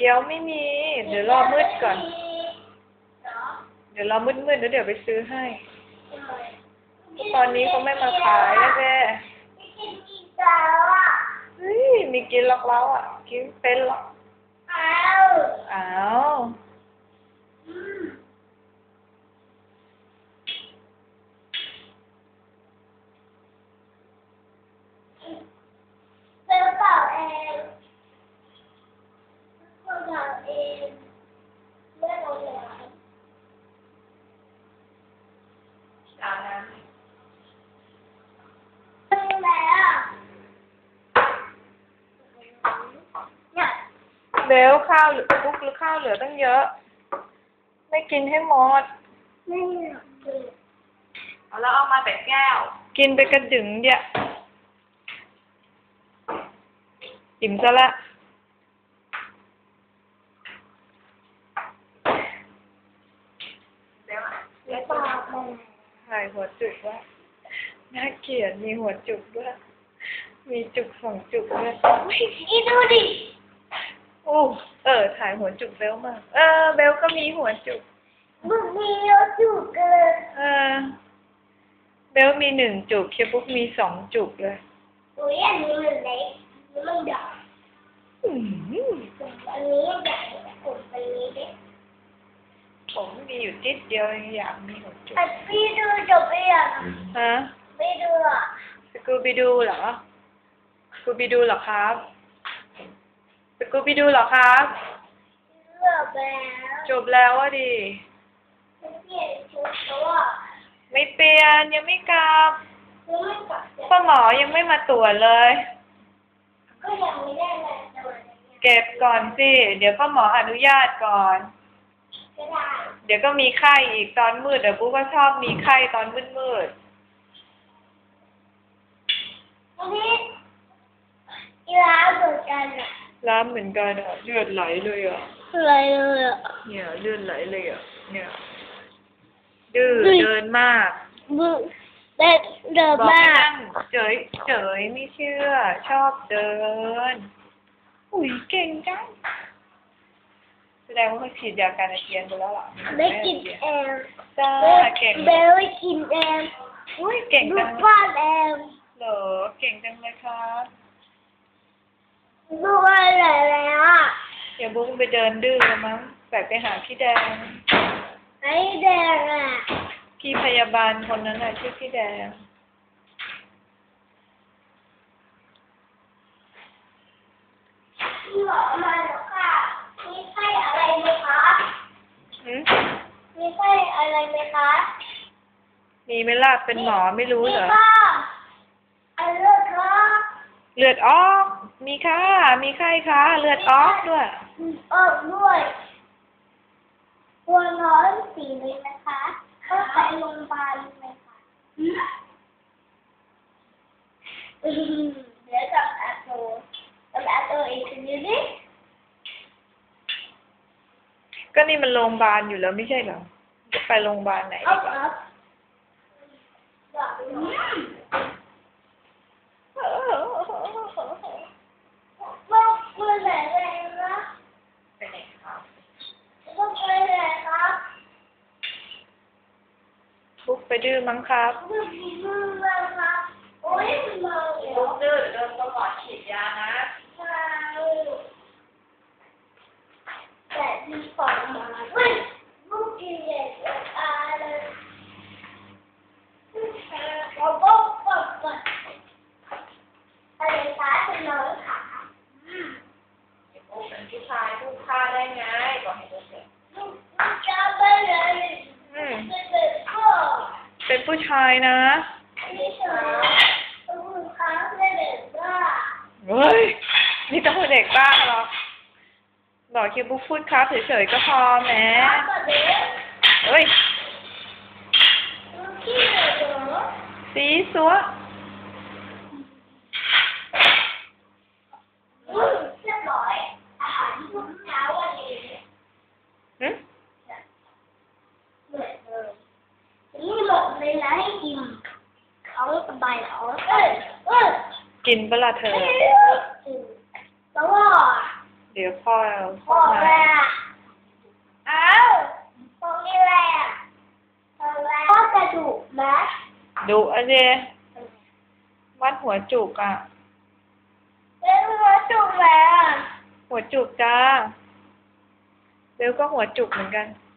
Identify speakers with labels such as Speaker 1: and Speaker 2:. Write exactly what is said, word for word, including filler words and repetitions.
Speaker 1: ยวไม่มี เดี๋ยวรอมืดก่อน เดี๋ยวรอมืดมืดแล้วเดี๋ยวไปซื้อให้ ตอนนี้เขาไม่มาขายแล้วแกเฮ้ยมีกินหรอกแล้วอ่ะ กินเป็นหรอกอ้าวอ้าว
Speaker 2: ซื้อเปล่าเองซื้อเปล่าเองไม่เอาเลย
Speaker 1: อาบน้ำเบลข้าวหรือปุ๊กหรือข้าวเหลือตั้งเยอะ ไม่กินให้หมด
Speaker 2: ไม่อยากกิน
Speaker 1: เอาแล้วเอามาแต่แก้ว กินไปกระดึงเดียวอิ่มซะละ
Speaker 2: แล้วปากมัน
Speaker 1: ถ่ายหัวจุกว่าน่าเกลียดมีหัวจุกด้วยมีจุกสองจุกด้วย
Speaker 2: อีดูดิ
Speaker 1: โอ้เออถ่ายหัวจุกเบลมากเออเบลก็มีหัวจุก
Speaker 2: บุกมีเยอะจุกเลย
Speaker 1: เออเบลมีหนึ่งจุกเคปุ๊กมีสองจุกเลย
Speaker 2: อุ้ยอันนี้มันเล็กอันนี้มันใหญ่
Speaker 1: อืม
Speaker 2: อันนี้ใหญ่กลุ่มอันนี้เล็ก
Speaker 1: ผมมีอยู่นิดเดียวเองอยากมีหัวจุก
Speaker 2: แต่พี่ดูจบไปยัง
Speaker 1: ฮะ
Speaker 2: ไม่ดูอ่ะ
Speaker 1: สกูบิดูเหรอสกูบิดูเหรอครับสกูบิดูเหรอครับ
Speaker 2: เลือกแล้ว
Speaker 1: จบแล้วอะดิ
Speaker 2: ไม่เปลี่ยนชุดเพราะว่า
Speaker 1: ไม่เปลี่ยนยังไม่กลับ
Speaker 2: ยังไม่กลับ
Speaker 1: พ่อหมอยังไม่มาตรวจเลย
Speaker 2: ก็ยังไม่ได้เลยแต่วันนี้
Speaker 1: เก็บก่อนสิเดี๋ยวพ่อหมออนุญาตก่อน
Speaker 2: ก็ได้
Speaker 1: เดี๋ยวก็มีไข้อีกตอนมืดเดี๋ยวปุ๊กก็ชอบมีไข้ตอนมืดมืด
Speaker 2: วันนี้อีร้านเหมือนกันอ่ะ
Speaker 1: ๆล้ามเหมือนกันอ่ะเลือดไหลเลยอ่ะ
Speaker 2: อะไรเลยอ่ะ
Speaker 1: เนี่ยเลือดไหลเลยอ่ะเนี่ยดื้อเดินมาก
Speaker 2: มึงเดินเดิน
Speaker 1: บอกให้
Speaker 2: มาก
Speaker 1: นั่งเฉยเฉยไม่เชื่อ ชอบเดิน อุ้ยเก่งจังแสดงว่าเขาฉีดยาการอาเจียนไปแล้วล่ะ
Speaker 2: ไม่กินเอง
Speaker 1: จ้าเก่ง
Speaker 2: เบลไม่กินเอง
Speaker 1: อุ้ยเก่ง
Speaker 2: ลู
Speaker 1: จั
Speaker 2: ก
Speaker 1: ง
Speaker 2: บ้านเอง
Speaker 1: เหรอเก่งจังเลยครับ
Speaker 2: ลูกอะไรแล้วอ่ะ
Speaker 1: เดี๋ยวบุ้งไปเดินดื้อแล้วมั้งแบบไปหาพี่แดง
Speaker 2: ไอ้แดงอ่ะ
Speaker 1: พี่พยาบาลคนนั้นน่ะชื่อพี่แดง
Speaker 2: หมอมาแล้วค่ะมีไข้อะไรไหมคะ
Speaker 1: หืม
Speaker 2: มีไข้อะไรไหมคะ
Speaker 1: มีไหมล่ะเป็นหมอไม่รู้เหรอ
Speaker 2: มีค่ะอันเลือดค่ะ
Speaker 1: เลือดออก มีค่ะ มีไข้ค่ะ เลือดออกด้วย
Speaker 2: ออกด้วยตัวร้อนสีเลยนะคะเข้าไปโรงพยาบาลเลยค่ะอืมเดี๋ยวกับอาโตกับอาโตอีกทีนี้
Speaker 1: ก็นี่มันโรงพยาบาลอยู่แล้วไม่ใช่เหรอ จะไปโรงพยาบาลไหน
Speaker 2: เอา
Speaker 1: ดีกว่า
Speaker 2: ครับแบบนี้ว่าเมื่อไหร่เลยนะ
Speaker 1: ไปไหนครับ
Speaker 2: ว่าเมื่อไหร่ครับ
Speaker 1: บุ๊กไปดื้อมั้งครับ
Speaker 2: เมื่อกี้เมื่อไหร่ครับโอ้ยมันมาแล้ว
Speaker 1: บุ๊กดื้อโดนตำรวจฉีดยานะ
Speaker 2: ใช่แต่ที่ก่อนมาเฮ้ยลูกกินเด็กอะไรเราบอกก่อนก่อนอะไรคะคุณน้องขา
Speaker 1: บุ๊กเป็นผู้ชายผู้ฆ่าได้ไงบอกให้ดูเสร็จ
Speaker 2: ลูกจะไปไหน
Speaker 1: อืม
Speaker 2: เป็นเด็กพ่อ
Speaker 1: เป็นผู้ชายนะ
Speaker 2: ไม่ใช่คุณค้าเป็นเด็กบ้า
Speaker 1: เฮ้ย นี่ต้องเป็นเด็กบ้าเหรอ บอกคิวบุ๊กพูดครับเฉยๆก็พอแหม
Speaker 2: ครับก็เด็ก
Speaker 1: เฮ้ย
Speaker 2: ลูกขี้เหร่
Speaker 1: สีสัว
Speaker 2: อืมเรียบร้อยอาหารทุกเช้าวันนี้
Speaker 1: หึ
Speaker 2: เหมือนเดิมนี่หมดเลยนะให้กินเขาสบายเขาเอ้ยเอ้ย
Speaker 1: กินเปะล่าเธอ
Speaker 2: แล้วว่า
Speaker 1: เดี๋ยวพ่อ
Speaker 2: ห
Speaker 1: พ่อ
Speaker 2: มด
Speaker 1: มา
Speaker 2: เลยอ่ะอ้าวตรงนี้อะไรอ่ะตรงแรกพ่อกระดูกไหม
Speaker 1: ดุอะเจวัดหัวจุกอ่ะ
Speaker 2: เรื่องหัวจุกไหมอ่ะ
Speaker 1: หัวจุกจ้าเบลก็หัวจุกเหมือนกัน